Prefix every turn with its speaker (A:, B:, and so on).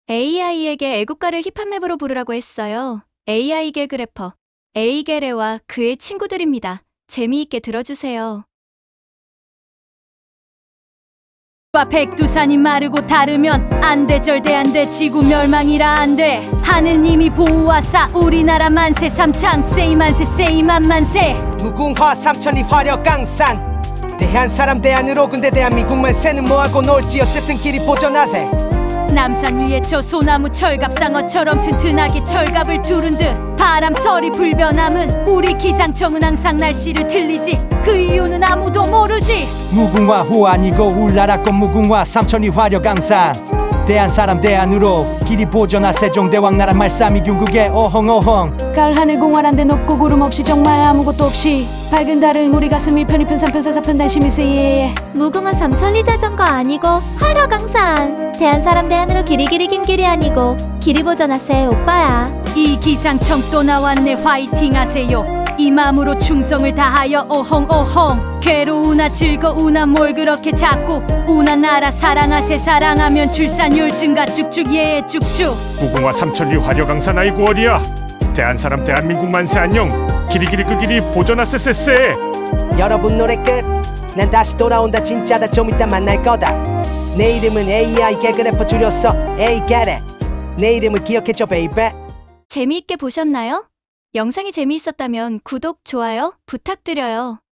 A: AI에게 애국가를 힙합랩으로 부르라고 했어요. AI 개그 래퍼 에이게레와 그의 친구들입니다. 재미있게 들어주세요.
B: 백두산이 마르고 다르면 안돼 절대 안돼 지구 멸망이라 안돼 하느님이 보호하사 우리나라 만세 삼창 세이 만세 세이 만만세
C: 무궁화 삼천리 화려 강산 대한 사람 대안으로 근데 대한민국만 새는 뭐하고 놀지 어쨌든 길이 보전하세
B: 남산 위에 저 소나무 철갑상어처럼 튼튼하게 철갑을 두른 듯 바람서리 불변함은 우리 기상청은 항상 날씨를 틀리지 그 이유는 아무도 모르지
D: 무궁화 호 아니고 울나라 꽃 무궁화 삼천리 화려 강산 대한 사람 대안으로 길이 보전하 세종대왕 나라 말싸미 중국의 어헝어헝
E: 가을 하늘 공활한데 높고 구름 없이 정말 아무것도 없이 밝은 달은 우리 가슴 1편 2편 3편 4, 4편 단심이세 예.
F: 무궁화 삼천리 자전거 아니고 화려강산 대한 사람 대안으로 길이 긴 길이 아니고 길이 보전하세 오빠야.
B: 이 기상청 또 나왔네 화이팅 하세요 이 마음으로 충성을 다하여 어헝어헝 괴로우나 즐거우나 뭘 그렇게 자꾸 우나 나라 사랑하세 사랑하면 출산율 증가 쭉쭉 예 쭉쭉
G: 무궁화 삼천리 화려강산 아이고 어리야 대한사람 대한민국 만세 안녕 길이길이 그 길이 보존하세세세
C: 여러분 노래 끝 난 다시 돌아온다 진짜다 좀 이따 만날 거다 내 이름은 AI 개그 래퍼 줄였어 에이 get it 내 이름을 기억해줘 베이베
A: 재미있게 보셨나요? 영상이 재미있었다면 구독, 좋아요 부탁드려요.